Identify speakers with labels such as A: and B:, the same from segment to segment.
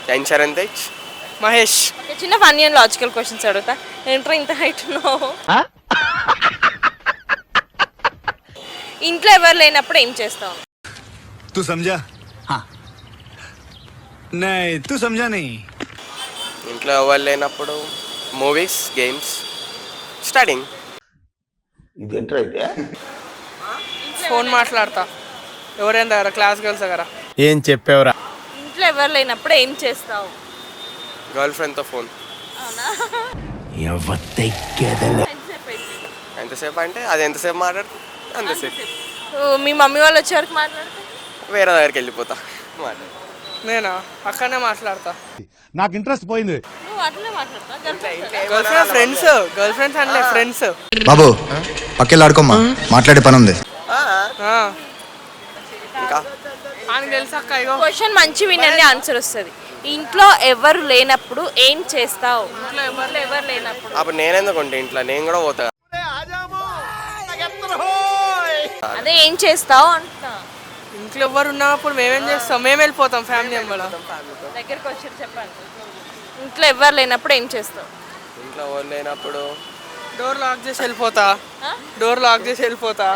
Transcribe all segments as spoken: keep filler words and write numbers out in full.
A: Tension తెచ్
B: Mahesh.
C: చిన్న funny and logical questions అడుగుతా. ఏంట్రా ఇంత హైట్ ఉన్నావు? ఇంట్లో ఎవరు లేనప్పుడు ఏం చేస్తావు?
D: तू समझा? हाँ नहीं तू समझा नहीं.
A: ఇంట్లో ఎవరు లేనప్పుడు మూవీస్, గేమ్స్, స్టడింగ్.
E: ఇదేంట్రా అయితే?
B: ఫోన్ మాట్లాడతా ఎవరైనా దగ్గర, క్లాస్ గర్ల్స్ దగ్గర.
F: ఏం చెప్పావురా?
C: ఇంట్లో ఎవరు లేనప్పుడు ఏం చేస్తావు?
A: గర్ల్ ఫ్రెండ్తో ఫోన్. ఎంతసేపు అంటే అది ఎంతసేపు మాట్లాడుతుంది అంతసేపు.
C: మీ మమ్మీ వాళ్ళు వచ్చే వరకు మాట్లాడుతా?
A: వేరే దగ్గరికి వెళ్ళిపోతా మాట్లాడు.
B: నేనా అక్కడనే మాట్లాడతా.
D: నాకు ఇంట్రెస్ట్ పోయింది.
C: నువ్వు అట్లనే మాట్లాడతా?
B: Girl friend friends girl friends అంటే ఫ్రెండ్స్.
G: బాబు పక్కెళ్ళాడుకోమ్మా, మాట్లాడే పని ఉంది.
A: ఇంకా
B: అని తెలుసక్క. ఇగో
C: క్వశ్చన్ మంచి వినండి, ఆన్సర్ వస్తుంది. ఇంట్లో ఎవరు లేనప్పుడు ఏం చేస్తావు? ఇంట్లో ఎవరు ఎవరు లేనప్పుడు
A: అప్పుడు నేనెందుకు ఉంటే ఇంట్లో నేను కూడా పోతా.
C: అదే ఏం చేస్తావు అంటున్నా.
B: ఇంట్లో ఎవరు ఉన్నప్పుడు మేమేం చేస్తాం? మేము వెళ్ళిపోతాం ఫ్యామిలీ మెంబర్
C: దగ్గరికి వచ్చి చెప్పండి. ఇంట్లో ఎవరు లేనప్పుడు ఏం చేస్తావు?
A: ఇంట్లో ఎవరు లేనప్పుడు
B: డోర్ లాక్ చేసి వెళ్ళిపోతా. డోర్ లాక్ చేసి వెళ్ళిపోతా.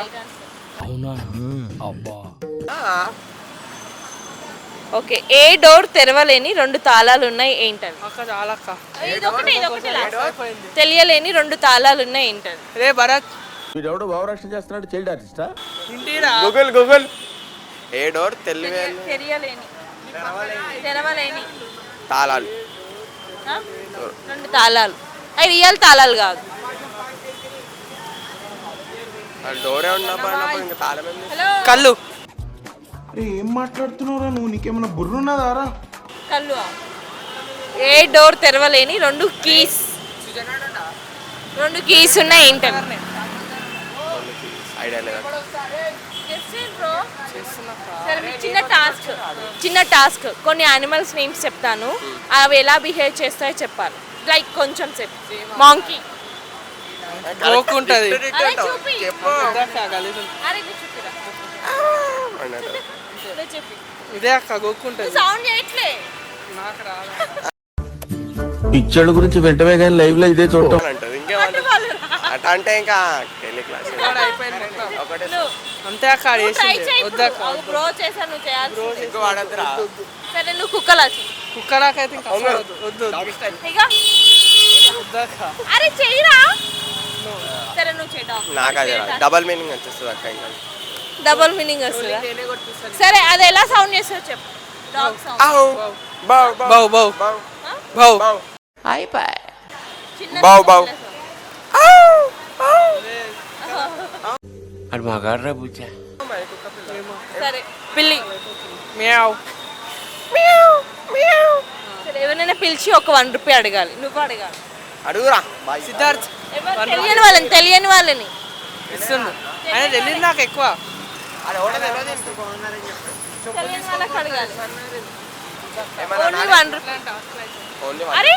C: ఓకే. ఏ డోర్ తెరవలేని రెండు తాళాలు ఉన్నాయి ఏంటవి?
B: అక్క చాలా అక్క.
C: ఇదొకటి ఇదొకటి తెలియలేని రెండు తాళాలు ఉన్నాయి ఏంటవి?
B: రే భరత్,
E: వీడెవడో భావరక్షణ చేస్తున్నాడు, చైల్డ్ ఆర్టిస్టా?
B: ఇంటిరా
A: గూగుల్ గూగుల్ ఏ డోర్ తెలివే
C: తెలియలేని తెరవలేని
A: తాళాలు.
C: రెండు తాళాలు. అవి రియల్ తాళాలు కాదు.
A: డోరే ఉన్నప్పుడు ఇంకా తాళం ఏంది?
B: కళ్ళు.
E: అరే ఏం మాట్లాడుతున్నావురా నువ్వు? నీకేమన్నా బుర్రున్నదారా?
C: కళ్ళు. ఏ డోర్ తెరవలేని రెండు కీస్ రెండు కీస్ ఉన్నాయి ఏంటవి?
A: ఐడియా లేదా?
C: చిన్న టాస్క్ చిన్న టాస్క్ కొన్ని యానిమల్స్ నేమ్స్ చెప్తాను, అవి ఎలా బిహేవ్ చేస్తాయో చెప్పాలి. లైక్ కొంచెం సేపు. మాంకీ.
B: గోకుంటది. ఇదే అక్క గోకుంటది.
C: సౌండ్ చేయట్లే.
B: నాకు రాదు.
E: పిచ్చోళ్ళ గురించి వెంటనే కానీ లైవ్ లో ఇదే చూడటం
A: అంటది. ఇంకేమంటారు అట అంటే ఇంకా టెలి క్లాస్ ఒకటే
B: అంతే అక్క. వద్దక్క.
C: బ్రో చేసా నువ్వు చేయాలి.
A: ఇంకో వాడద్దురా.
C: సరే నువ్వు కుక్కలా
B: కుక్కలాకైతే ఇంకా వద్దు వద్దు. వద్దక్క.
C: అరే చెయ్యరా. సరే నువ్వు చేయి.
A: నాకు అది డబల్ మీనింగ్ వచ్చేస్తుంది అక్క. ఇంకా
C: డబుల్ మీనింగ్ వస్తుందా? సరే అది ఎలా సౌండ్ చేస్తావు చెప్పు. Dog sound.
A: బౌ
B: బౌ బౌ బౌ బౌ.
A: బౌ బౌ.
E: అది మగాడ్రా బుజ్జా.
C: సరే పిల్లి.
B: మ్యావ్.
C: సరే ఎవరైనా పిలిచి ఒక వన్ రూపీ అడగాలి. నువ్వు అడగాలి.
A: అడుగురా
B: సిద్ధార్థ్.
C: తెలియని వాళ్ళని తెలియని వాళ్ళని
B: ఇస్తుండు. ఆయన తెలియదు నాకు ఎక్కువ.
C: తెలియని వాళ్ళకి అడగాలి. Only one rupee. అరే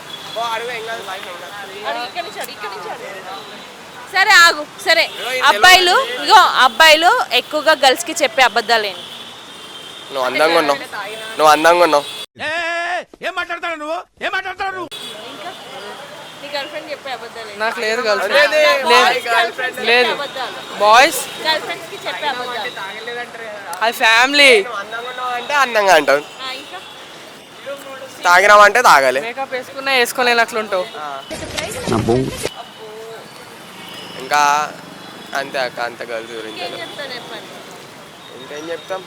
C: సరే ఆగు. సరే అబ్బాయిలు ఇగో అబ్బాయిలు ఎక్కువగా గర్ల్స్ కి చెప్పే అబద్ధాలు ఏంటి?
A: నువ్వు అందంగా ఉన్నావు, నువ్వు అందంగా ఉన్నావు.
F: ఏం మాట్లాడతాడు నువ్వు? ఏం మాట్లాడతాడు నువ్వు?
C: నీ గర్ల్ ఫ్రెండ్ చెప్పే అబద్ధాలు ఏంటి?
B: నాకు లేదు గర్ల్ ఫ్రెండ్. లేదు బాయ్స్
C: గర్ల్ ఫ్రెండ్స్ కి చెప్పే అబద్ధాలు.
B: అది ఫ్యామిలీ.
A: అందంగా ఉన్నావు అంటే అందంగా అంటావు,
C: ఇంకా
A: తాగినామంటే తాగాలి.
B: మేకప్ వేసుకున్నా వేసుకోలేని అట్లుంటావు.
A: ఇంకా అంతే అక్క. అంత గర్ల్స్ గురించి
C: ఏం చెప్తాను చెప్పండి.
A: ఇంకేం చెప్తాం?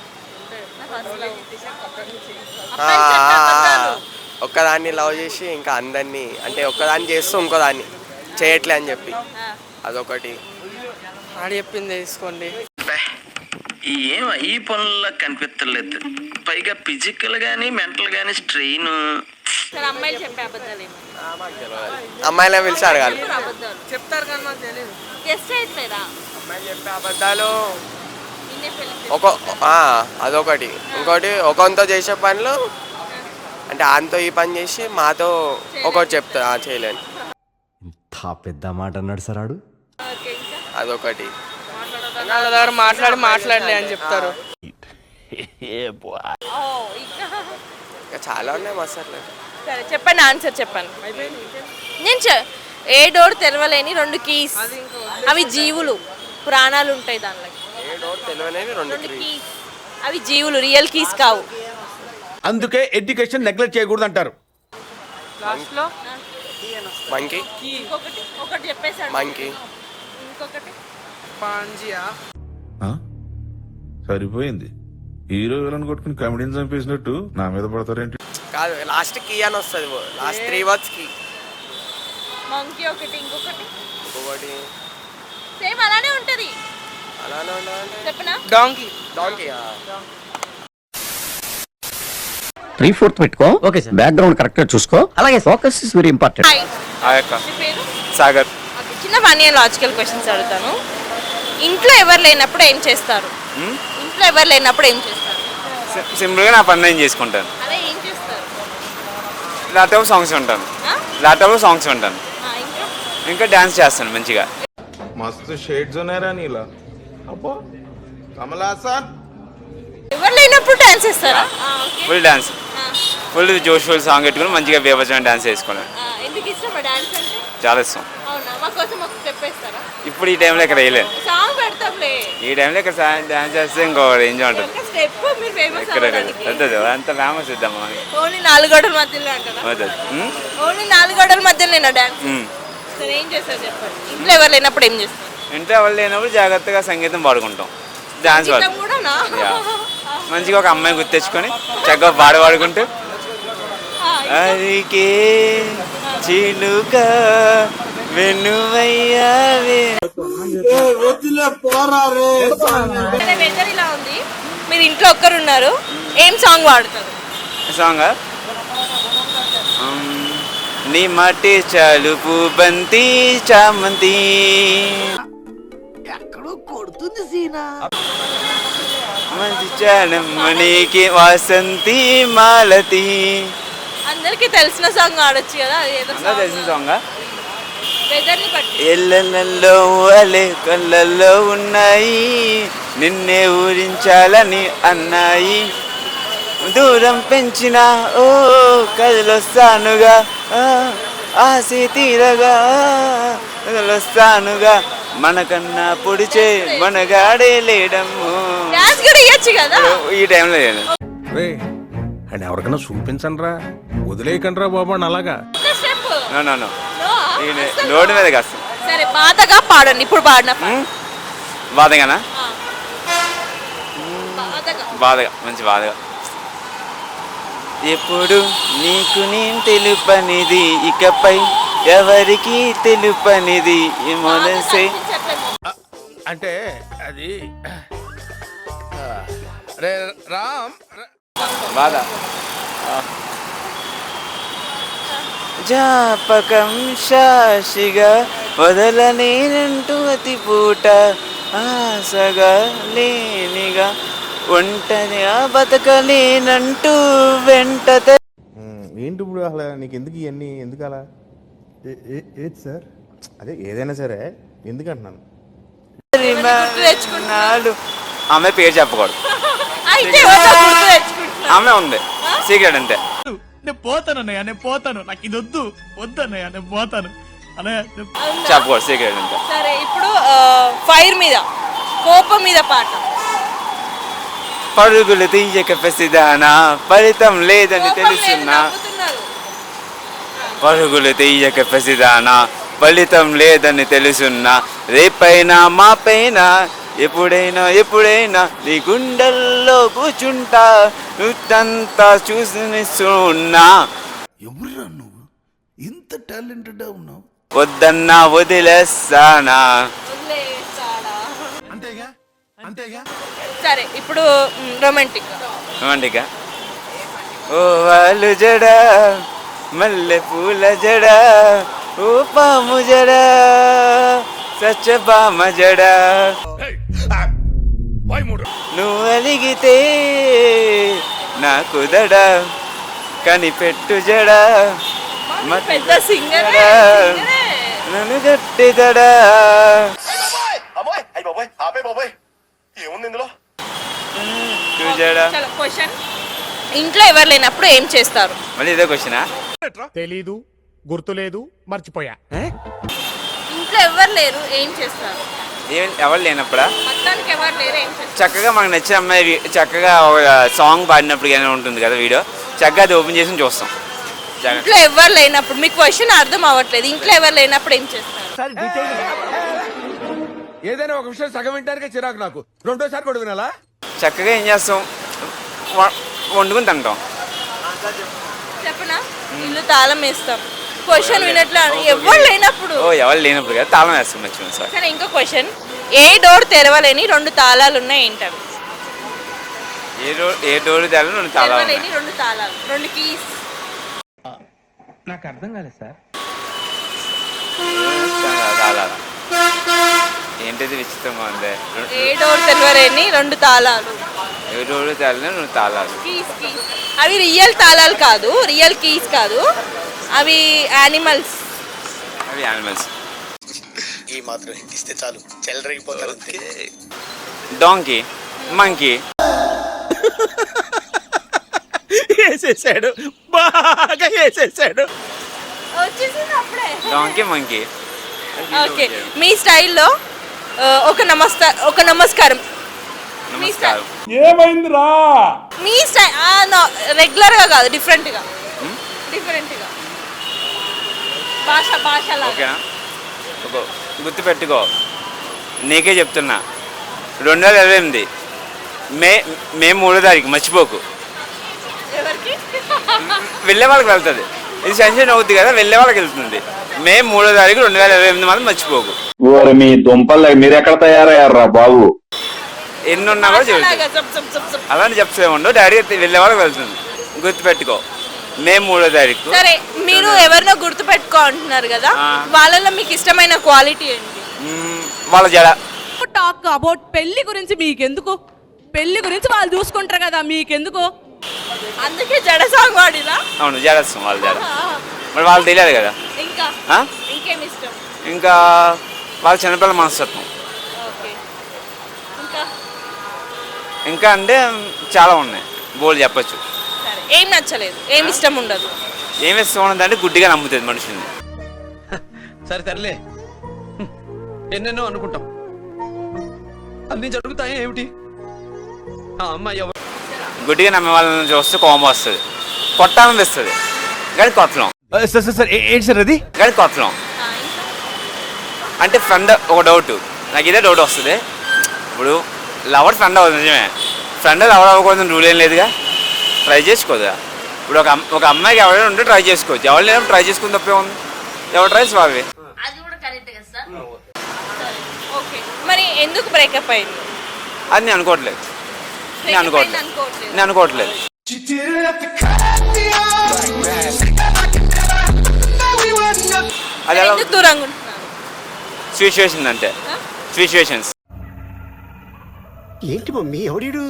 C: అబద్ధాలు.
A: ఒక్కదాన్ని లవ్ చేసి ఇంకా అందరినీ అంటే ఒక్కదాన్ని చేస్తూ ఇంకోదాన్ని చేయట్లే అని చెప్పి అదొకటి.
B: ఆడి చెప్పింది తీసుకోండి.
H: ఏం ఈ పనుల్లో కనిపించలేదు. పైగా ఫిజికల్ గానీ మెంటల్ గానీ స్ట్రెయిన్.
C: సరే అమ్మాయిలు చెప్పే అబద్ధాలు ఏమి?
A: అమ్మాయిలే పిలిచి అడగాలి.
C: అబద్ధాలు
B: చెప్తారు కానీ మాకు తెలియదు.
C: గెస్ట్ చేయట్లేదా?
A: అమ్మాయిలు చెప్పే అబద్ధాలు
C: నిన్నే పెళ్లి
A: ఒక అదొకటి. ఇంకోటి ఒకరితో చేసే పనులు అంటే ఆయనతో ఈ పని చేసి మాతో ఒకటి చెప్తా చేయలేను.
F: ఇంత పెద్ద మాట అన్నాడు సార్ ఆడు.
A: అదొకటి.
B: వాళ్ళ దగ్గర మాట్లాడి మాట్లాడలే అని చెప్తారు.
A: ఇంకా చాలా ఉన్నాయి మస్తు అట్లా.
C: సరే చెప్పండి, ఆన్సర్ చెప్పండి. నేను చె- ఏ డోర్ తెరవలేని రెండు కీస్, అవి జీవులు, ప్రాణాలు ఉంటాయి దానిలో.
A: ఏ డోర్ తెలియనేవి రెండు
C: రెండు
A: కీ.
C: కీస్, అవి జీవులు, రియల్ కీస్ కావు.
F: అందుకే ఎడ్యుకేషన్ నెగ్లెక్ట్ చేయకూడదు అంటారు.
B: లాస్ట్లో
A: మంకీ.
C: ఇంకొకటి ఒకటి చెప్పేసాడు.
A: మంకీ.
C: ఇంకొకటి
B: పాంజియా.
E: సరిపోయింది. హీరో విలన్ కొట్టుకుని కమెడీని చంపేసినట్టు నా మీద పడతారేంటి?
A: కాదు, లాస్ట్ కీ అని వస్తుంది. Last three words key.
C: Monkey ఒకటి, ఇంకొకటి
A: ఇంకొకటి
C: సేమ్ అలానే ఉంటది.
A: అలానే ఉండాలంటే
C: చెప్పనా?
B: డాంకీ.
A: డాంకీ.
I: త్రీ ఫోర్త్ పెట్టుకో. Okay sir. బ్యాక్గ్రౌండ్ కరెక్ట్ గా చూసుకో. అలాగే focus is very important.
C: Hi, మీ పేరు?
A: సాగర్.
C: ఓకే, చిన్న ఫన్నీ అండ్ లాజికల్ క్వశ్చన్స్ అడుగుతాను. ఇంట్లో ఎవరు లేనప్పుడు ఏం చేస్తారు? ఇంట్లో ఎవరు లేనప్పుడు ఏం చేస్తారు?
J: సింపుల్గా నా పని నేను చేసుకుంటాను.
C: అదే ఏం చేస్తారు?
J: ల్యాప్టాప్ సాంగ్స్ ఉంటాను.
C: ఆ?
J: ల్యాప్టాప్ సాంగ్స్ ఉంటాను.
C: ఆ, ఇంకా
J: ఇంకా డ్యాన్స్ చేస్తాను మంచిగా.
E: మస్తు షేడ్స్ ఉన్నారా నీలా? అబ్బో కమలాసన్.
C: ఎవరు లేనప్పుడు డాన్స్ చేస్తారా? ఆ, ఓకే.
J: ఫుల్ డ్యాన్స్,
C: ఆ,
J: ఫుల్ జోష్ ఫుల్ సాంగ్ పెట్టుకుని మంచిగా బేబచ్చని డ్యాన్స్ చేసుకున్నాను.
C: ఆ, ఎందుకు ఇష్టం డాన్స్ అంటే?
J: చాలా ఇష్టం.
C: అవునా, మా కోసం ఒక స్టెప్ వేస్తారా?
J: ఇప్పుడు ఈ టైంలో ఇక్కడ వేయలేను.
C: సాంగ్ పెడతాంలే.
J: ఈ టైంలో ఇక్కడ డ్యాన్స్ చేస్తే ఇంకో ఎంజాయ్ ఉంటుంది.
C: ఒక స్టెప్ మీరు ఫేమస్
J: ఎక్కడ
C: అవ్వడానికి.
J: వద్దదు అంత ఫేమస్ ఇద్దామా అని.
C: ఓన్లీ నాలుగు గోడల మధ్యలో అంటారా?
J: వద్దదు. ఉమ్?
C: ఓన్లీ నాలుగు గోడల మధ్యలో నేను డాన్స్.
J: ఉమ్.
C: సరే, ఏం చేస్తారు చెప్పండి. ఇంట్లో ఎవరు లేనప్పుడు ఏం చేస్తారు?
J: ఇంట్లో ఎవరు లేనప్పుడు జాగ్రత్తగా సంగీతం పాడుకుంటాం, డ్యాన్స్
C: చిన్న
J: పాడు
C: కూడానా?
J: యా. మంచిగా ఒక అమ్మాయి గుర్తెచ్చుకొని చక్కగా పాడు పాడుకుంటూ
C: ఆ,
J: అరికే చిలుక వెన్నువయ్యావే.
C: సరే, వెదర్ ఇలా ఉంది, మీరు ఇంట్లో ఒక్కరున్నారు, ఏం సాంగ్ పాడుతారు?
J: సాంగ్ నీ మట్టి చలుపు బంతి చామంతి మంచి చాలమ్మనికి వాసంతి మాలతి.
C: అందరికి తెలిసిన సాంగ్ ఆడొచ్చు కదా, అది ఏదో
J: అంతా తెలిసిన సాంగ్.
C: వెదర్ ని బట్టి.
J: ఎల్లల్లో అలే కళ్ళల్లో ఉన్నాయి, నిన్నే ఊరించాలని అన్నాయి, దూరం పెంచిన ఓ కదిలొస్తానుగా, ఆశ తీరగా కదిలొస్తానుగా, మనకన్నా పొడిచే మనగాడే లేడము.
C: డాన్స్ కూడా ఇయ్యొచ్చు కదా.
J: ఈ టైంలో లేదు.
F: రే అండ్ ఎవరికైనా చూపించండి రా, వదిలేయకండి రా బాబు అని అలాగా.
C: ఒక step.
J: No no no
C: no, అస్సలు
J: రోడ్డు
C: నో.
J: మీద కాస్త
C: సరే, బాధగా పాడండి ఇప్పుడు పాడిన పాట.
J: బాధగానా?
C: ఆ. బాధగా.
J: బాధగా, మంచి బాధగా. ఎప్పుడు నీకు నేను తెలుపనిది, ఇకపై ఎవరికి తెలుపనిది ఈ మనసే.
F: అంటే అది రే రామ్
J: బాధ. జాపకం శాషిగా వదలనేనంటూ అతి పూట, ఆశగా లేనిగా ఒంటరిగా బతకలేనంటూ వెంట.
E: ఏంటి ఇప్పుడు అసలు నీకు ఎందుకు ఇవన్నీ? ఎందుకు అలా? ఏది సార్? అదే ఏదైనా సరే ఎందుకు అంటున్నాను.
C: గుర్తు తెచ్చుకుంటున్నాడు.
J: ఆమె పేరు చెప్పకూడదు.
C: అయితే ఎవరితో గుర్తు తెచ్చుకుంటున్నావు?
J: ఆమె ఉంది, సీక్రెట్ అంతే.
F: నేను పోతాను అన్నయ్య, నేను పోతాను, నాకు ఇది వద్దు వద్దు అన్నయ్య, నేను పోతాను అన్నయ్య.
C: అవునా?
J: చెప్పకూడదు, సీక్రెట్ అంతే.
C: సరే, ఇప్పుడు ఫైర్ మీద, కోపం మీద పాట.
J: పరుగులు తీయక పసిదానా, ఫలితం లేదని
C: కోపం లేదు,
J: తెలుసున్నా.
C: నవ్వుతున్నారు.
J: పరుగులు తీయక పసిదానా, ఫలితం లేదని తెలుసున్నా, రేపైనా మాపైనా ఎప్పుడైనా ఎప్పుడైనా నీ గుండెల్లో కూర్చుంటా, నువ్వంతా చూసిస్తున్నా.
D: ఎవరురా నువ్వు? ఇంత టాలెంటెడ్ ఉన్నావు.
J: వద్దన్నా వదిలేస్తానా.
C: వదిలేస్తాడా?
D: అంతేగా అంతేగా.
C: సరే, ఇప్పుడు రొమాంటిక్.
J: రొమాంటిక్గా ఓ వాళ్ళు జడ మల్లె పూల జడ, ఓ పాము జడ సత్యభామ జడ, నువ్వు అలిగితే నాకు దడ, కనిపెట్టు జడ
C: పెద్ద సింగర్.
J: నన్ను గట్టి దడ.
C: క్వశ్చన్ ఇంట్లో ఎవరు లేనప్పుడు ఏం చేస్తారు?
J: మళ్ళీ ఇదే క్వశ్చనా?
F: తెలీదు, గుర్తులేదు, మర్చిపోయా.
C: ఇంట్లో ఎవరు లేరు ఏం చేస్తారు?
J: ఏం ఎవరు లేనప్పుడా
C: మొత్తానికి ఎవరు లేరు ఏం చేస్తారు?
J: చక్కగా మనకు నచ్చిన అమ్మాయి వి- చక్కగా ఒక సాంగ్ పాడినప్పుడు కానీ ఉంటుంది కదా వీడియో, చక్కగా అది ఓపెన్ చేసి చూస్తాం. చక్కగా.
C: ఇంట్లో ఎవరు లేనప్పుడు మీకు క్వశ్చన్ అర్థం అవ్వట్లేదు. ఇంట్లో ఎవరు లేనప్పుడు ఏం చేస్తారు?
D: ఏదైనా ఒక విషయం సగం వింటానికే చిరాకు నాకు, రెండోసారి కూడా వినాలా?
J: చక్కగా ఏం చేస్తాం, వ- వండుకుని తింటాం.
C: చెప్పనా? ఇల్లు తాళం వేస్తాం. క్వశ్చన్ వినట్లు ఎవరు లేనప్పుడు.
J: ఓ ఎవరు లేనప్పుడు కదా తాళం వేస్తాం మర్చిపోయింది సార్.
C: సరే ఇంకో క్వశ్చన్, ఏ డోర్ తెరవలేని రెండు తాళాలు ఉన్నాయి ఏంటవి?
J: ఏ డోర్ ఏ డోర్ తెరవలేని రెండు తాళాలు ఉన్నాయి.
C: తెరవలేని రెండు తాళాలు, రెండు కీస్.
F: నాకు అర్థం కాలేదు సార్.
J: తాళాలు ఏంటిది విచిత్రంగా ఉంది.
C: ఏ డోర్ తెరవలేని రెండు తాళాలు,
J: ఏ డోర్ తెరవలేని రెండు తాళాలు.
C: Keys keys. అవి రియల్ తాళాలు కాదు, రియల్ కీస్ కాదు, అవి యానిమల్స్.
J: అవి యానిమల్స్.
A: ఈ మాత్రం ఇస్తే చాలు చెల్లరగిపోతారు.
J: Donkey, monkey.
F: వేసేసాడు, బాగా వేసేసాడు.
C: వచ్చేసింది అప్పుడే.
J: Donkey, monkey.
C: ఓకే, మీ స్టైల్లో ఆ, ఒక నమస్తా ఒక నమస్కారం.
J: నమస్కారం.
F: ఏమైందిరా?
C: మీ స్టైల్ రెగ్యులర్గా కాదు, డిఫరెంట్గా. డిఫరెంట్గా భాష భాషలా.
J: ఓకేనా? ఒక గుర్తు పెట్టుకో, నీకే చెప్తున్నా. రెండు వేల ఇరవై ఎనిమిది మే మే మూడో తారీఖు మర్చిపోకు.
C: ఎవరికి?
J: వెళ్ళే వాళ్ళకి వెళ్తుంది. ఇది సెన్షన్ అవుద్ది కదా, వెళ్ళే వాళ్ళకి వెళ్తుంది. మే మూడో తారీఖు రెండు వేల ఇరవై ఎనిమిది మాత్రం మర్చిపోకు.
I: మీ దుంపలు మీరు ఎక్కడ తయారయ్యారా బాబు?
J: ఎన్ని ఉన్నా కూడా చెబుతుంది.
C: భాషలాగా జప్ జప్ జప్ జప్.
J: అలాంటి చెప్తే ఉండవు, డైరెక్ట్ వెళ్ళే వాళ్ళకి వెళ్తుంది. గుర్తుపెట్టుకో, మే మూడో తారీఖు.
C: సరే, మీరు ఎవరినో గుర్తు పెట్టుకో అంటున్నారు కదా,
J: ఆ.
C: వాళ్ళలో మీకు ఇష్టమైన క్వాలిటీ ఏంటి?
J: మ్మ్, వాళ్ళ జడ.
K: టాక్ అబౌట్ పెళ్లి గురించి మీకెందుకు? పెళ్లి గురించి వాళ్ళు చూసుకుంటారు కదా, మీకెందుకు?
C: అందుకే జడ సాంగ్ వాడిలా.
J: అవును, జడస్తాం వాళ్ళ జడ. మరి వాళ్ళు తెలియదు కదా.
C: ఇంకా
J: ఆ?
C: ఇంకేం ఇష్టం?
J: ఇంకా వాళ్ళ చిన్నపిల్లల మనస్తత్వం.
C: ఓకే, ఇంకా
J: ఇంకా అంటే చాలా ఉన్నాయి, బోల్ చెప్పచ్చు.
C: సరే, ఏం నచ్చలేదు, ఏం ఇష్టం ఉండదు?
J: ఏమి ఇష్టం ఉన్నదంటే గుడ్డిగా నమ్ముతుంది మనుషుల్ని.
F: సరే తరలే, ఎన్నెన్నో అనుకుంటాం, అన్ని జరుగుతాయి ఏమిటి? ఆ అమ్మాయి ఎవరు?
J: గుడ్డిగా నమ్మే వాళ్ళని చూస్తే కోపం వస్తుంది, కొట్టాలనిపిస్తుంది. కానీ కొట్టలేం.
F: సార్ సార్ సార్ ఏంటి సార్ అది?
J: కానీ కొట్టలేం.
C: ఆ, ఇంకా
J: అంటే ఫ్రెండ్ ఒక డౌట్, నాకు ఇదే డౌట్ వస్తుంది. ఇప్పుడు లవర్ ఫ్రెండ్ అవ్వదు నిజమే, ఫ్రెండ్ లవర్ అవ్వకూడదు రూల్ ఏం లేదుగా, ట్రై చేసుకోదా. ఇప్పుడు ఒక అమ్- ఒక అమ్మాయికి ఎవరైనా ఉంటే ట్రై చేసుకోవచ్చు, ఎవరు లేనప్పుడు ట్రై చేసుకుని తప్పే ఉంది. ఎవరు ట్రై స్వామి.
C: అది కూడా కరెక్ట్ కదా సార్. సరే, ఓకే, మరి ఎందుకు బ్రేకప్ అయింది?
J: అది నేను అనుకోవట్లేదు, నేను
C: Breakup
J: అనుకోవట్లేదు
C: అయింది అనుకోవట్లేదు.
J: నేను అనుకోవట్లేదు. అది
C: మరి
J: ఎలా
C: ఎందుకు దూరంగా ఉంటున్నారు?
J: సిచ్యువేషన్ అంటే
C: ఆ?
J: సిచ్యువేషన్స్.
I: ఏంటి మమ్మీ ఎవడీడు?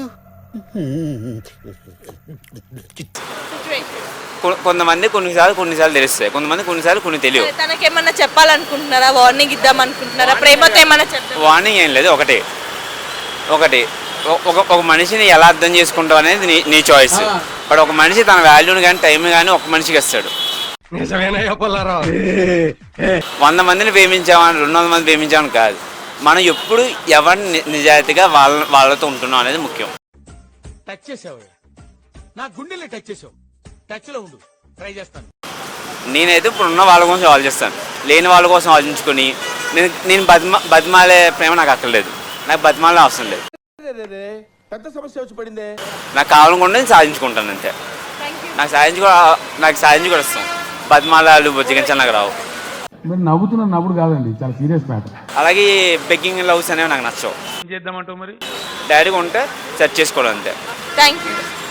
C: Situation.
J: కొ- కొంతమంది కొన్నిసార్లు కొన్నిసార్లు తెలుస్తాయి, కొంతమంది కొన్నిసార్లు కొన్ని తెలియవు.
C: సరే, తనకేమన్నా చెప్పాలనుకుంటున్నారా? వార్నింగ్ ఇద్దాం అనుకుంటున్నారా? ప్రేమతో ఏమన్నా చెప్తారా?
J: వార్నింగ్ ఏం లేదు, ఒకటి ఒకటి ఒ- ఒక ఒక మనిషిని ఎలా అర్థం చేసుకుంటావు అనేది నీ నీ చాయిస్. బట్ ఒక మనిషి తన వాల్యూని కానీ టైం కానీ ఒక మనిషికి ఇస్తాడు.
F: నిజమేనయ్యా పుల్లారావు.
J: వంద మందిని ప్రేమించామని రెండు వందల మంది ప్రేమించామని కాదు, మనం ఎప్పుడు ఎవరిని ని- నిజాయితీగా వాళ్ళ వాళ్ళతో ఉంటున్నాం అనేది ముఖ్యం.
F: టచ్ చేసావు, నా గుండెల్ని టచ్ చేసావు. టచ్ లో ఉండు, ట్రై చేస్తాను.
J: నేనైతే ఇప్పుడు ఉన్న వాళ్ళ కోసం ఆలోచిస్తాను, లేని వాళ్ళ కోసం ఆలోచించుకొని నేను నేను బతిమా బతిమాలే ప్రేమ నాకు అక్కర్లేదు, నాకు బతిమాలే అవసరం లేదు.
D: పెద్ద సమస్య వచ్చి పడిందే.
J: నాకు కావాలనుకుంటే నేను సాధించుకుంటాను అంతే.
C: Thank you.
J: నాకు సాధించుకో నాకు సాధించి కూడా ఇస్తాం. బతిమాలాలు బొజ్జిగించాలి నాకు రావు.
E: మీరు నవ్వుతున్న నవ్వుడు కాదండి, చాలా సీరియస్ మ్యాటర్.
J: అలాగే బెగ్గింగ్ లవ్స్ అనేవి నాకు నచ్చవు.
F: ఏం చేద్దామంటావు మరి?
J: డైరెక్ట్గా ఉంటే సెర్చ్ చేసుకోవడం అంతే.
C: Thank you.